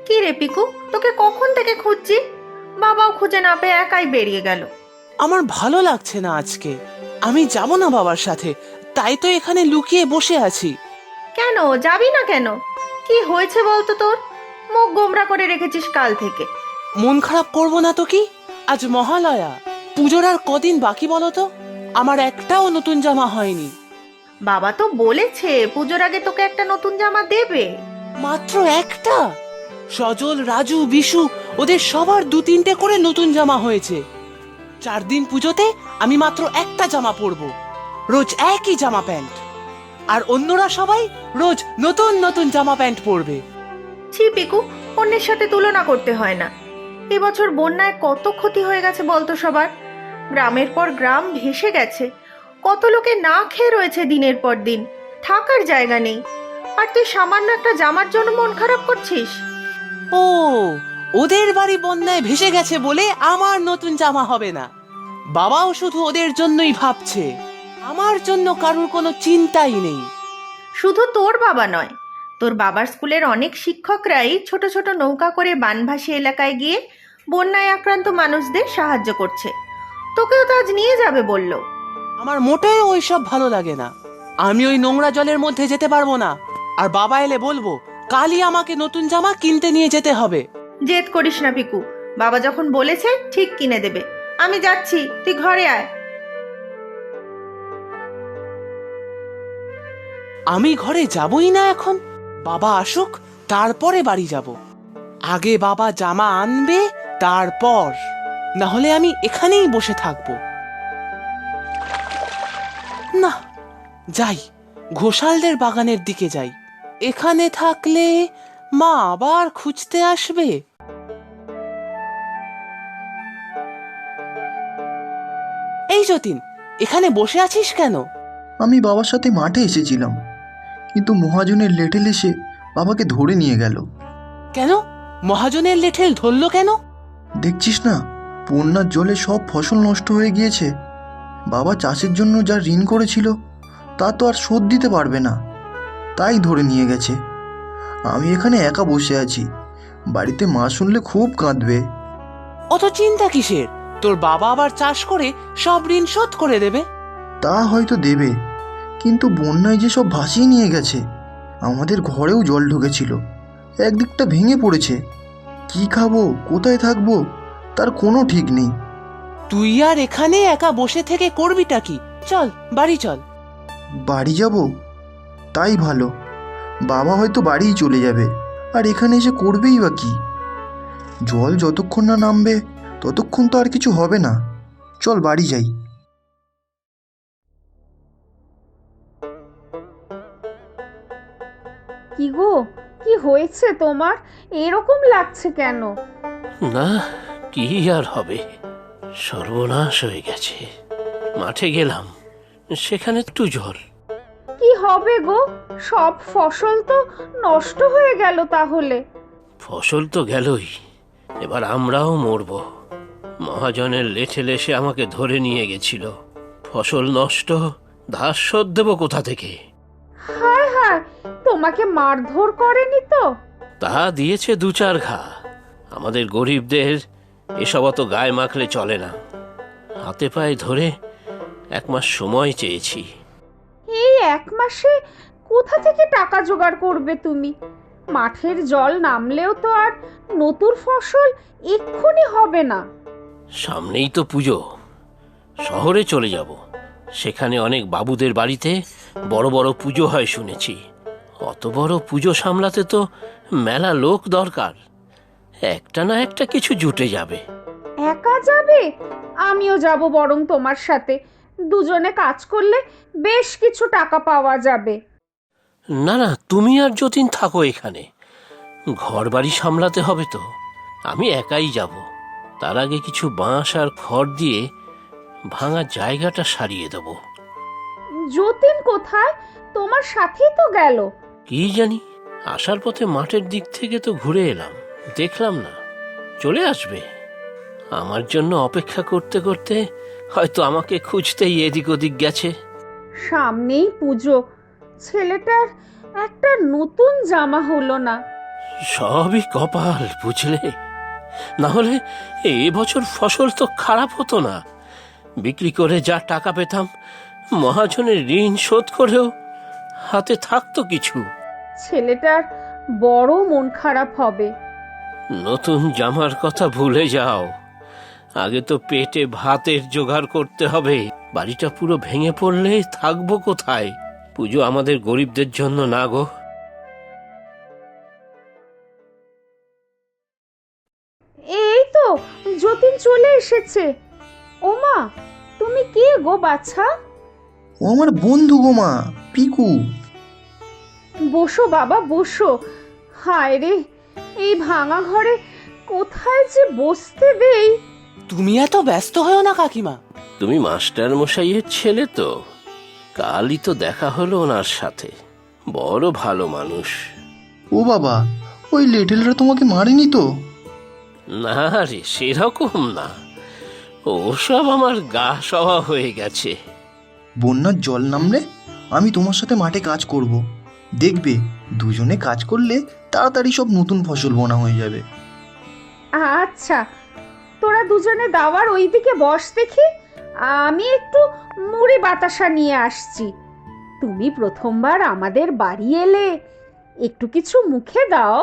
কি রে পিকু, তোকে কখন থেকে খুঁজছি, বাবাও খুঁজে না পেয়ে একাই বেরিয়ে গেল। আমার ভালো লাগছে না আজকে। আমি যাব না বাবার সাথে, তাই তো এখানে লুকিয়ে বসে আছি। কেন যাবি না কেন? কি হয়েছে বলতো তোর? মুখ গোমরা করে রেখেছিস কাল থেকে। মন খারাপ করব না তো কি? আজ মহালয়া, পুজোর আর কদিন বাকি বলো তো? আমার একটাও নতুন জামা হয়নি। বাবা তো বলেছে পুজোর আগে তোকে একটা নতুন জামা দেবে। মাত্র একটা? সজল, রাজু, বিশু ওদের সবার 2-3টে করে নতুন জামা হয়েছে। 4 দিন পুজোতে আমি মাত্র একটা জামা পরবো, রোজ একই জামা প্যান্ট। আর অন্যরা সবাই রোজ নতুন নতুন জামা প্যান্ট পরবে। ছি পিকু, অন্যের সাথে তুলনা করতে হয় না। এবছর বন্যায় কত ক্ষতি হয়ে গেছে বলতো সবার। গ্রামের পর গ্রাম ভেসে গেছে, কত লোকে না খেয়ে রয়েছে দিনের পর দিন, থাকার জায়গা নেই। আর তুই সামান্য একটা জামার জন্য মন খারাপ করছিস? ও, ওদের বাড়ি বন্যায় ভেসে গেছে বলে আমার নতুন জামা হবে না। বাবাও শুধু ওদের জন্যই ভাবছে, আমার জন্য কারুর কোনো চিন্তাই নেই। শুধু তোর বাবা নয়, তোর বাবার স্কুলের অনেক শিক্ষকরাই ছোট ছোট নৌকা করে বানভাসী এলাকায় গিয়ে বন্যায় আক্রান্ত মানুষদের সাহায্য করছে। তোকেও তো আজ নিয়ে যাবে বলল। আমার মোটেও ওইসব ভালো লাগে না। আমি ওই নোংরা জলের মধ্যে যেতে পারবো না। আর বাবা এলে বলবো কালই আমাকে নতুন জামা কিনতে নিয়ে যেতে হবে। জেদ করিস না পিকু, বাবা যখন বলেছে ঠিক কিনে দেবে। আমি যাচ্ছি, তুই ঘরে আয়। আমি ঘরে যাবই না এখন। বাবা আসুক, তারপরে বাড়ি যাব। আগে বাবা জামা আনবে, তারপর। না হলে আমি এখানেই বসে থাকবো। না, যাই, ঘোষালদের বাগানের দিকে যাই। এখানে থাকলে মা আবার খুঁজতে আসবে। এই যতীন, এখানে বসে আছিস কেন? আমি বাবার সাথে মাঠে এসেছিলাম, কিন্তু মহাজনের লেটেল এসে বাবাকে ধরে নিয়ে গেল। কেন? মহাজনের লেঠেল ধরলো কেন? দেখছিস না, বন্যার জলে সব ফসল নষ্ট হয়ে গিয়েছে। বাবা চাষের জন্য যা ঋণ করেছিল তা তো আর শোধ দিতে পারবে না, তাই ধরে নিয়ে গেছে। আমি এখানে একা বসে আছি, বাড়িতে মা শুনলে খুব কাঁদবে। অত চিন্তা কিসের? তোর বাবা আবার চাষ করে সব ঋণ শোধ করে দেবে। তা হয়তো দেবে, কিন্তু বন্যায় যে সব ভাসিয়ে নিয়ে গেছে। আমাদের ঘরেও জল ঢুকেছিল, একদিকটা ভেঙে পড়েছে। কি খাবো, কোথায় থাকবো, তার কোনো ঠিক নেই। তুই আর এখানে একা বসে থেকে করবিটা কি? চল বাড়ি চল। বাড়ি যাব? তাই ভালো, বাবা হয়তো বাড়িই চলে যাবে, আর এখানে এসে করবেই বা কি? জল যতক্ষণ না নামবে ততক্ষণ তো আর কিছু হবে না। চল বাড়ি যাই। কি গো, কি হয়েছে তোমার? এরকম লাগছে কেন? না, কি আর হবে, সর্বনাশ হয়ে গেছে। মাঠে গেলাম, সেখানে একটু জল। কি হবে গো, সব ফসল তো নষ্ট হয়ে গেল তাহলে। ফসল তো গেলই, এবার আমরাও মরব। মহাজনের লেঠেল এসে আমাকে ধরে নিয়ে গেছিল। ফসল নষ্ট, ধার শোধ দেবো কোথা থেকে? হায় হায়, তোমাকে মারধর করেনি তো? তা দিয়েছে 2-4 ঘা। আমাদের গরিবদের এসব অত গায়ে মাখলে চলে না। হাতে পায়ে ধরে 1 মাস সময় চেয়েছি। এই 1 মাসে কোথা থেকে টাকা জোগাড় করবে তুমি? মাঠের জল নামলেও তো আর নতুন ফসল এক্ষুনি হবে না। সামনেই তো পুজো, শহরে চলে যাব। সেখানে অনেক বাবুদের বাড়িতে বড় বড় পুজো হয় শুনেছি। অত বড় পুজো সামলাতে তো মেলা লোক দরকার। একটা না একটা কিছু জুটে যাবে। একা যাবে? আমিও যাব বরং তোমার সাথে। দুজনে কাজ করলে বেশ কিছু টাকা পাওয়া যাবে। না না, তুমি আর যতীন থাকো এখানে। ঘর বাড়ি সামলাতে হবে তো, আমি একাই যাব। তার আগে কিছু বাঁশ আর খড় দিয়ে ভাঙা জায়গাটা সারিয়ে দেব। যতীন কোথায়? তোমার সাথেই তো গেল। কি জানি, আসার পথে মাঠের দিক থেকে তো ঘুরে এলাম, দেখলাম না। চলে আসবে। আমার জন্য অপেক্ষা করতে করতে হয়তো আমাকে খুঁজতেই এদিক ওদিক গেছে। সামনেই পুজো, ছেলেটার একটা নতুন জামা হলো না। সবই কপাল, বুঝলে? না হলে এবছর ফসল তো খারাপ হতো না। বিক্রি করে যা টাকা পেতাম, মহাজনের ঋণ শোধ করেও হাতে থাকতো কিছু। ছেলেটার বড় মন খারাপ হবে। নতুন জামার কথা ভুলে যাও, আগে তো পেটে ভাতের জোগাড় করতে হবে। বাড়িটা পুরো ভেঙে পড়লে থাকবো কোথায়? পুজো আমাদের গরিবদের জন্য না গো। এই তো যতীন চলে এসেছে। ওমা, তুমি কে গো বাছা? ও আমার বন্ধু গো মা, পিকু। বসো বাবা বসো। হায় রে, এই ভাঙা ঘরে কোথায় যে বসতে দেই। তুমি এত ব্যস্ত হও না কাকিমা। তুমি মাস্টার মশাইয়ের ছেলে তো, কালই তো দেখা হলো ওনার সাথে। বড় ভালো মানুষ। ও বাবা, ওই লেটেলরা তোমাকে মারেনি তো? না রে, সেরকম না। ওসব আমার গা সওয়া হয়ে গেছে। বন্যার জল নামলে আমি তোমার সাথে মাঠে কাজ করব। দেখবে দুজনে কাজ করলে তাড়াতাড়ি সব নতুন ফসল বোনা হয়ে যাবে। আচ্ছা, তোরা দুজনে দাওয়ার ওইদিকে বস দেখি, আমি একটু মুড়ি বাতাসা নিয়ে আসছি। তুমি প্রথমবার আমাদের বাড়ি এলে, একটু কিছু মুখে দাও।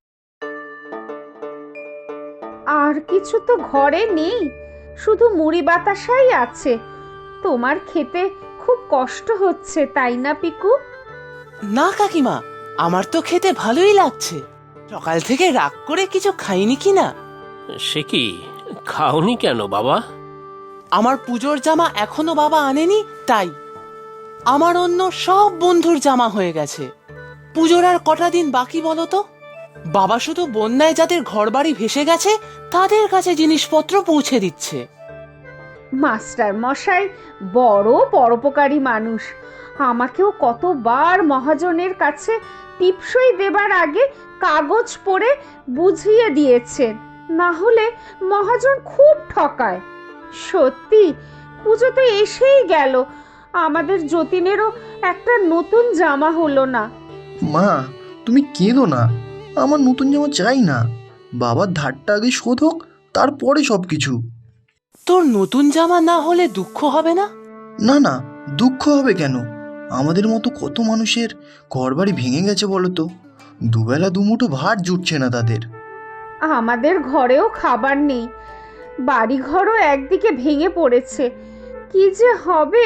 আর কিছু তো ঘরে নেই, শুধু মুড়ি বাতাসাই আছে। তোমার খেতে খুব কষ্ট হচ্ছে, তাই না পিকু? না কাকিমা, আমার তো খেতে ভালোই লাগছে। সকাল থেকে রাগ করে কিছু খাইনি কি না। সে কি, খাওনি কেন বাবা? আমার পুজোর জামা এখনো বাবা আনেনি, তাই। আমার অন্য সব বন্ধুর জামা হয়ে গেছে। পুজোর আর কটা দিন বাকি বলো তো? বাবা শুধু বন্যায় যাদের ঘরবাড়ি ভেসে গেছে তাদের কাছে জিনিসপত্র পৌঁছে দিচ্ছে। মাস্টার মশাই বড় পরোপকারী মানুষ। আমাকেও কতবার মহাজনের কাছে টিপসই দেবার আগে কাগজ পড়ে বুঝিয়ে দিয়েছেন, না হলে মহাজন খুব ঠকায়। সত্যি, পুজো তো এসেই গেল, আমাদের যতীনেরও একটা নতুন জামা হলো না। মা, তুমি কেঁদো না। আমার নতুন জামা চাই না। বাবার ধারটা আগে শোধ হোক, তারপরে সব কিছু। তোর নতুন জামা না হলে দুঃখ হবে না? না না, দুঃখ হবে কেন? আমাদের মতো কত মানুষের ঘরবাড়ি ভেঙে গেছে বলো তো। দুবেলা দুমুঠো ভাত জুটছে না তাদের। আমাদের ঘরেও খাবার নেই, বাড়িঘরও একদিকে ভেঙে পড়েছে। কি যে হবে!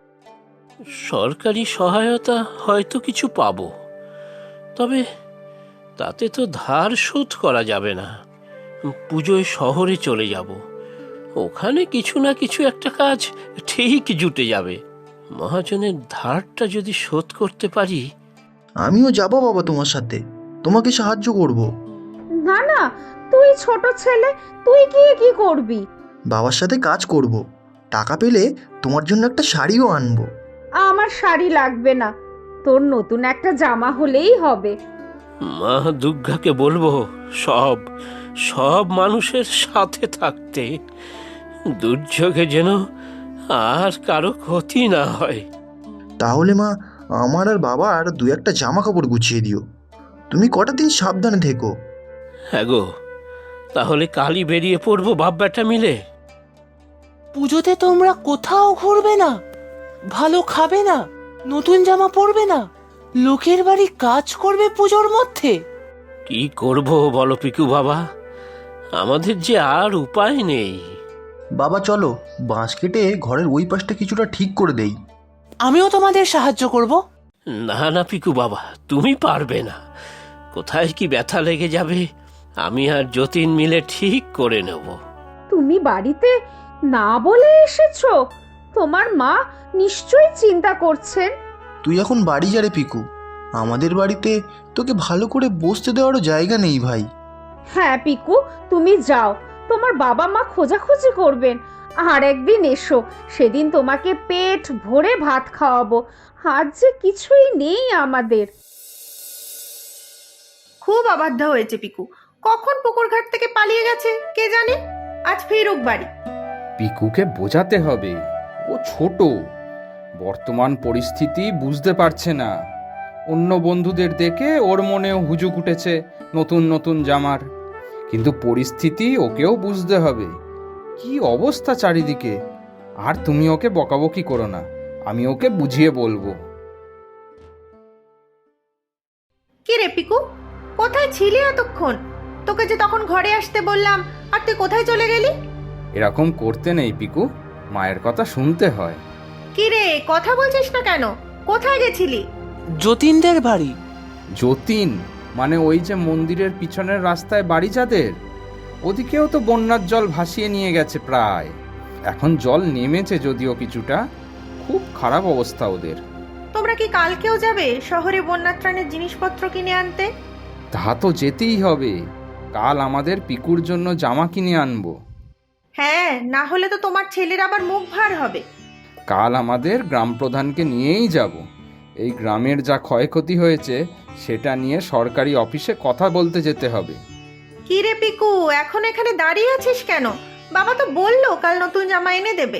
সরকারি সহায়তা হয়তো কিছু পাবো, তবে তাতে তো ধার শোধ করা যাবে না। পুজোয় শহরে চলে যাব, ওখানে কিছু না কিছু একটা কাজ ঠিক জুটে যাবে। মহাজনের ধারটা যদি শোধ করতে পারি। আমিও যাবো বাবা তোমার সাথে, তোমাকে সাহায্য করব। না না, তুই ছোট ছেলে, তুই গিয়ে কি করবি? বাবার সাথে কাজ করব, টাকা পেলে তোমার জন্য একটা শাড়িও আনবো। আমার শাড়ি লাগবে না, তোর নতুন একটা জামা হলেই হবে। মা দুর্গাকে বলবো সব সব মানুষের সাথে থাকতে, দুর্যোগে যেন আর কারো ক্ষতি না হয়। তাহলে মা, আমার আর বাবার দু একটা জামা কাপড় গুছিয়ে দিও। তুমি কটা দিন সাবধানে থেকো। হ্যাঁ গো, তাহলে কালই বেরিয়ে পড়বো বাপ বেটা মিলে। পুজোতে তোমরা কোথাও ঘুরবে না, ভালো খাবে না, নতুন জামা পরবে না, লোকের বাড়ি কাজ করবে পুজোর মধ্যে? কি করব বলো পিকু বাবা, আমাদের যে আর উপায় নেই। বাবা চলো, বাঁশ কেটে ঘরের ওই পাশটা কিছুটা ঠিক করে দেই। আমিও তোমাদের সাহায্য করব। না না পিকু বাবা, তুমি পারবে না। কোথায় কি ব্যথা লেগে যাবে, আমি আর যতীন মিলে ঠিক করে নেব। তুমি বাড়িতে না বলে এসেছো? তোমার মা নিশ্চয়ই চিন্তা করছেন। তুই এখন বাড়ি যা রে পিকু, আমাদের বাড়িতে তোকে ভালো করে বসতে দেওয়ারও জায়গা নেই ভাই। হ্যাঁ পিকু, তুমি যাও, তোমার বাবা মা খোঁজাখুঁজি করবেন। আর একদিন এসো, সেদিন তোমাকে পেট ভরে ভাত খাওয়াবো। আজ যে কিছুই নেই আমাদের। খুব অবাধ্য হয়েছে পিকু, কখন পুকুর ঘাট থেকে পালিয়ে গেছে কে জানে। আজ ফেরুক বাড়ি। পিকুকে বোঝাতে হবে, ও ছোট, বর্তমান পরিস্থিতি বুঝতে পারছে না। অন্য বন্ধুদের দেখে ওর মনেও হুজুক উঠেছে নতুন নতুন জামার। কিন্তু পরিস্থিতি ওকেও বুঝতে হবে। কি অবস্থা চারিদিকে। আর তুমি ওকে বকাবকি করো না, আমি ওকে বুঝিয়ে বলবো। কি রে পিকু, কোথায় ছিলি এতক্ষণ? তোকে যে তখন ঘরে আসতে বললাম, আর তুই কোথায় চলে গেলি? এরকম করতে নেই পিকু, মায়ের কথা শুনতে হয়। কি রে, কথা বলছিস না কেন? কোথায় গেছিলি? যতীনদের বাড়ি। যতীন মানে ওই যে মন্দিরের পিছনের রাস্তায় বাড়ি যাদের, ওদিকেও তো বন্যার জল ভাসিয়ে নিয়ে গেছে প্রায়। এখন জল নেমেছে যদিও কিছুটা, খুব খারাপ অবস্থা ওদের। তোমরা কি কালকেও যাবে শহরে বন্যাত্রাণের জিনিসপত্র কিনে আনতে? তা তো যেতেই হবে। কাল আমাদের পিকুর জন্য জামা কিনে আনবো। হ্যাঁ, না হলে তো তোমার ছেলের আবার মুখ ভার হবে। কাল আমাদের গ্রাম প্রধানকে নিয়েই যাব। এই গ্রামের যা ক্ষয়ক্ষতি হয়েছে সেটা নিয়ে সরকারি অফিসে কথা বলতে যেতে হবে। কি রে পিকু, এখন এখানে দাঁড়িয়ে আছিস কেন? বাবা তো বললো কাল নতুন জামা এনে দেবে।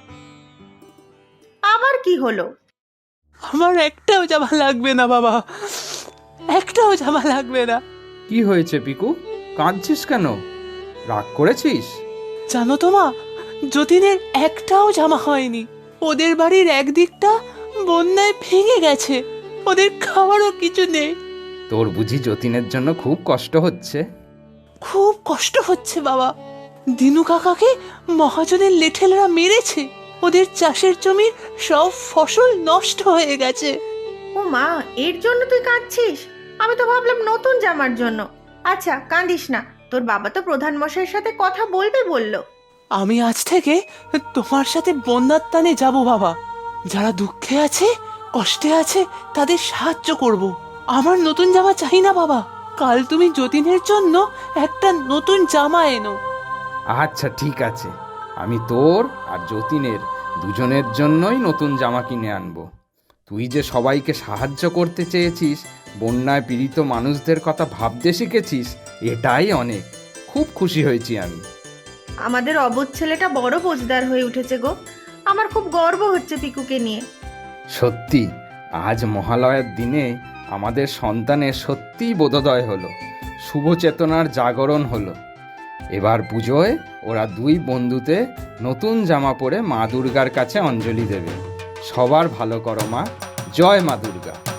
আবার কি হলো? আমার একটাও জামা লাগবে না বাবা, একটাও জামা লাগবে না। কি হয়েছে পিকু, কাঁদছিস কেন? রাগ করেছিস? জানো তো মা, যতীনের একটাও জামা হয়নি। ওদের বাড়ির একদিকটা বন্যায় ভেঙে গেছে, ওদের খাওয়ারও কিছু নেই। তোর বুঝি যতীনের জন্য খুব কষ্ট হচ্ছে? খুব কষ্ট হচ্ছে বাবা। দিনু কাকাকে মহাজনের লেঠেলরা মেরেছে, ওদের চাষের জমির সব ফসল নষ্ট হয়ে গেছে। ও মা, এর জন্য তুই কাঁদছিস? আমি তো ভাবলাম নতুন জামার জন্য। আচ্ছা, কাঁদিস না, তোর বাবা তো প্রধান মশাইয়ের সাথে কথা বলবে বললো। আমি আজ থেকে তোমার সাথে বন্যার টানে যাব বাবা। যারা দুঃখে আছে, কষ্টে আছে, তাদের সাহায্য করব। আমার নতুন জামা চাই না বাবা, কাল তুমি যতীনের জন্য একটা নতুন জামা এনো। আচ্ছা ঠিক আছে, আমি তোর আর যতীনের দুজনের জন্যই নতুন জামা কিনে আনবো। তুই যে সবাইকে সাহায্য করতে চেয়েছিস, বন্যায় পীড়িত মানুষদের কথা ভাবতে শিখেছিস, এটাই অনেক। খুব খুশি হয়েছি আমি। আমাদের অবোধ ছেলেটা বড় বোঝদার হয়ে উঠেছে গো। আমার খুব গর্ব হচ্ছে পিকুকে নিয়ে। সত্যি, আজ মহালয়ার দিনে আমাদের সন্তানের সত্যিই বোধোদয় হলো, শুভ চেতনার জাগরণ হলো। এবার পুজোয় ওরা দুই বন্ধুতে নতুন জামা পরে মা দুর্গার কাছে অঞ্জলি দেবে। সবার ভালো করো মা, জয় মা দুর্গা।